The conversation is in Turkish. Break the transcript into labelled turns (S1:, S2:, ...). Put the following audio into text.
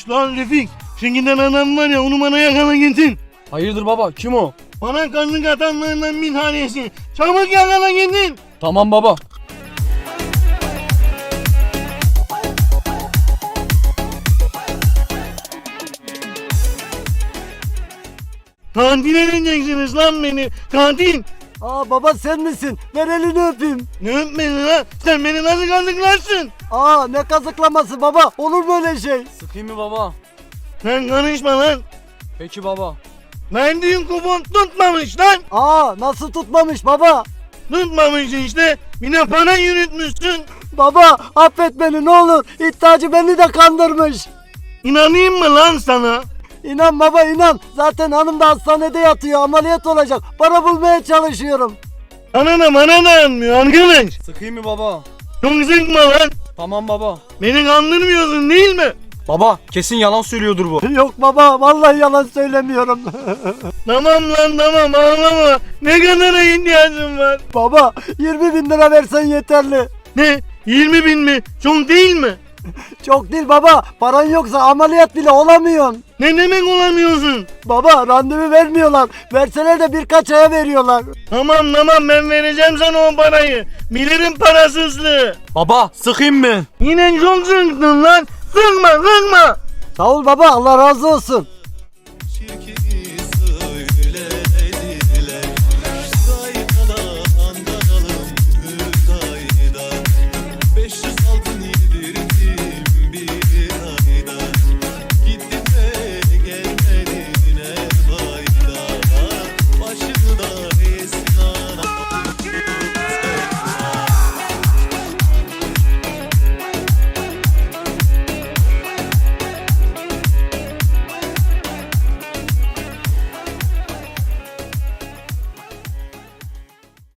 S1: Şşş lan Refik. Şu giden adam var ya onu bana yakala getir.
S2: Hayırdır baba, kim o?
S1: Bana kazık atanlarından bir tanesi. Çabuk yakala getir.
S2: Tamam baba.
S1: Katil edeceksiniz lan beni. Katil.
S3: Aa baba sen misin? Ver elini öpeyim.
S1: Ne öpmedin ha? Sen beni nasıl kazıklarsın?
S3: Aa ne kazıklaması baba? Olur mu öyle şey?
S2: Sıkayım mı baba?
S1: Sen karışma lan.
S2: Peki baba.
S1: Verdiğin kupon tutmamış lan.
S3: Aa nasıl tutmamış baba?
S1: Tutmamış işte. Bir de para yürütmüşsün.
S3: Baba affet beni ne olur. İddiacı beni de kandırmış.
S1: İnanayım mı lan sana?
S3: İnan baba inan. Zaten hanım da hastanede yatıyor. Ameliyat olacak. Para bulmaya çalışıyorum.
S1: Sana da bana dayanmıyor arkadaş.
S2: Sıkayım mı baba?
S1: Çok sıkma lan.
S2: Tamam baba.
S1: Beni kandırmıyorsun değil mi?
S2: Baba, kesin yalan söylüyordur bu.
S3: Yok baba vallahi yalan söylemiyorum.
S1: Tamam lan tamam ağlama. Ne kadara ihtiyacın var?
S3: Baba 20 bin lira versen yeterli.
S1: Ne? 20 bin mi? Çok değil mi?
S3: Çok değil baba. Paran yoksa ameliyat bile olamıyorsun.
S1: Ne demek olamıyorsun?
S3: Baba randevu vermiyorlar. Verseler de birkaç aya veriyorlar.
S1: Tamam ben vereceğim sana o parayı. Bilirim parasızlığı.
S2: Baba, sıkayım mı?
S1: Yine çok sıktın lan. Sıkma.
S3: Sağ ol baba Allah razı olsun.